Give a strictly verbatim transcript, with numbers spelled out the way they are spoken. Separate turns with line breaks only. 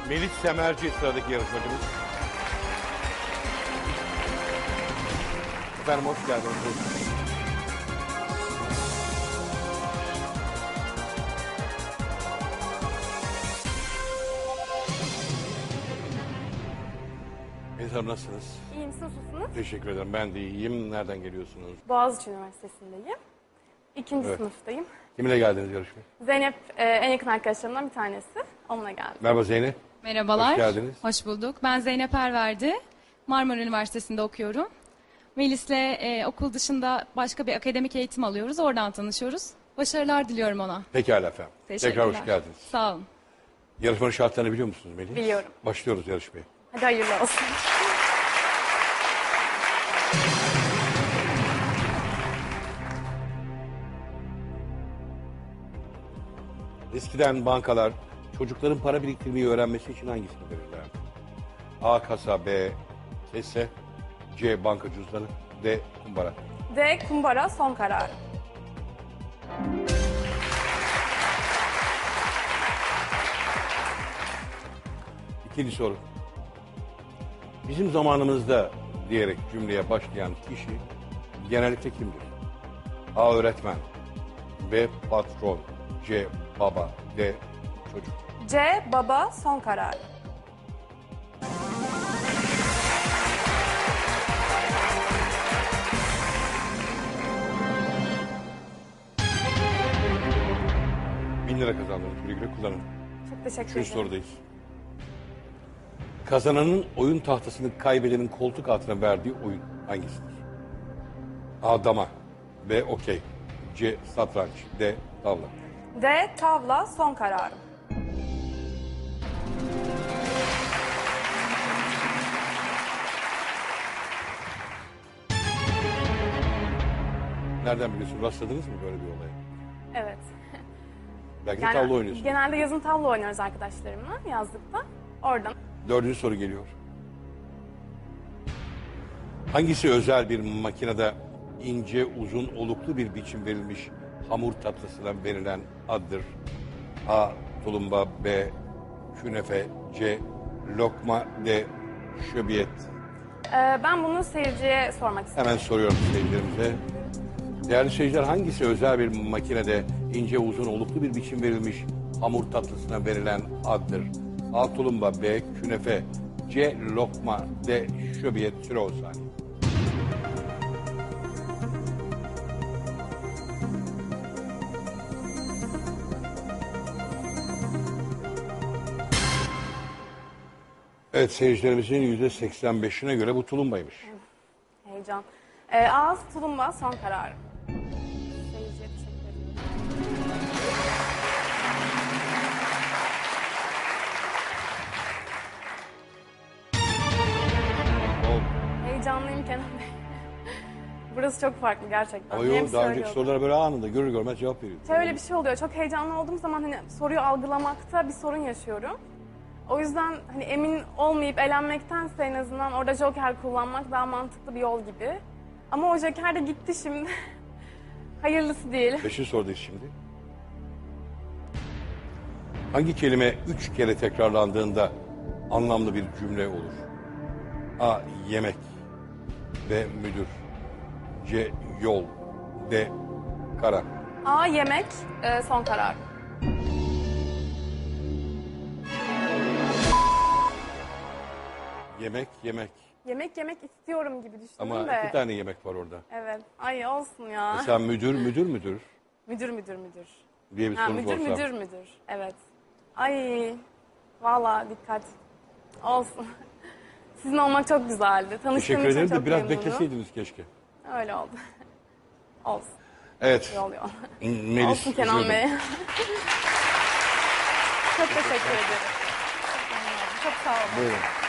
Melis Semerci sıradaki yarışmacımız. Efendim hoş geldiniz. Buyurun. Melis Hanım nasılsınız?
İyiyim, siz nasılsınız?
Teşekkür ederim. Ben de iyiyim. Nereden geliyorsunuz?
Boğaziçi Üniversitesi'ndeyim. İkinci
Evet.
sınıftayım.
Kiminle geldiniz yarışmaya?
Zeynep e, en yakın arkadaşlarımdan bir tanesi. Onunla geldim.
Merhaba Zeynep.
Merhabalar.
Hoş geldiniz.
Hoş bulduk. Ben Zeynep Erverdi. Marmara Üniversitesi'nde okuyorum. Melis'le e, okul dışında başka bir akademik eğitim alıyoruz. Oradan tanışıyoruz. Başarılar diliyorum ona.
Pekala efendim.
Teşekkürler.
Tekrar hoş geldiniz.
Sağ olun.
Yarışmanın şartlarını biliyor musunuz Melis?
Biliyorum.
Başlıyoruz yarışmaya.
Hadi hayırlı olsun.
Eskiden bankalar çocukların para biriktirmeyi öğrenmesi için hangisini verirler? A. Kasa, B. Kese, C. Banka cüzdanı, D. Kumbara.
D. Kumbara son kararı.
İkinci soru. Bizim zamanımızda diyerek cümleye başlayan kişi genellikle kimdir? A. Öğretmen, B. Patron, C. Baba, D. Çocuk.
C. Baba son kararı.
Bin lira kazandınız. Güle güle kullanın.
Çok teşekkür
Üçüncü
ederim.
sorudayız. Kazananın oyun tahtasını kaybedenin koltuk altına verdiği oyun hangisidir? A. Dama, B. Okey, C. Satranç, D. Tavla.
D. Tavla son kararı.
Nereden biliyorsun? Rastladınız mı böyle bir olaya?
Evet.
Belki de tavla oynuyorsun.
Genelde yazın tavla oynuyoruz arkadaşlarımla yazlıkta. Oradan.
Dördüncü soru geliyor. Hangisi özel bir makinede ince, uzun, oluklu bir biçim verilmiş hamur tatlısına verilen addır? A. Tulumba, B. Künefe, C. Lokma, D. Şöbiyet.
Ee, ben bunu seyirciye sormak istiyorum.
Hemen soruyorum seyircilerimize. Değerli seyirciler, hangisi özel bir makinede ince, uzun, oluklu bir biçim verilmiş hamur tatlısına verilen addır? A. Tulumba, B. Künefe, C. Lokma, D. Şöbiyet. Süre on saniye. Evet, seyircilerimizin yüzde seksen beşine göre bu tulumbaymış.
Heyecan. Ee, ağız tulumba son kararı. Seyirciye teşekkür ederim.
Oldu.
Heyecanlıyım Kenan Bey. Burası çok farklı gerçekten.
Ama
Hem
yok, daha önceki
söylüyorum.
sorulara böyle anında görür görmez cevap veriyor.
Şöyle bir şey oluyor. Çok heyecanlı olduğum zaman hani soruyu algılamakta bir sorun yaşıyorum. O yüzden hani emin olmayıp elenmektense en azından orada joker kullanmak daha mantıklı bir yol gibi. Ama o joker de gitti şimdi. Hayırlısı değil.
Beşinci sorudayız şimdi. Hangi kelime üç kere tekrarlandığında anlamlı bir cümle olur? A. Yemek, B. Müdür, C. Yol, D. Kara.
A. Yemek e, son karar.
Yemek, yemek.
Yemek yemek istiyorum gibi düşündüm
Ama
de.
iki tane yemek var orada.
Evet. Ay olsun ya.
Mesela müdür, müdür, müdür
Müdür müdür müdür.
diye bir
Ha,
sorumuz
müdür
olsa.
müdür müdür. Evet. Ay valla dikkat. Olsun. Sizin olmak çok güzeldi. Tanıştığım
Teşekkür
için
ederim
çok
de biraz
memnunum.
bekleseydiniz keşke.
Öyle oldu. Olsun.
Evet.
İyi oluyor.
Melis.
Olsun Kenan
özür
Bey.
dilerim.
Çok teşekkür ederim. Çok sağ olun.
Buyurun.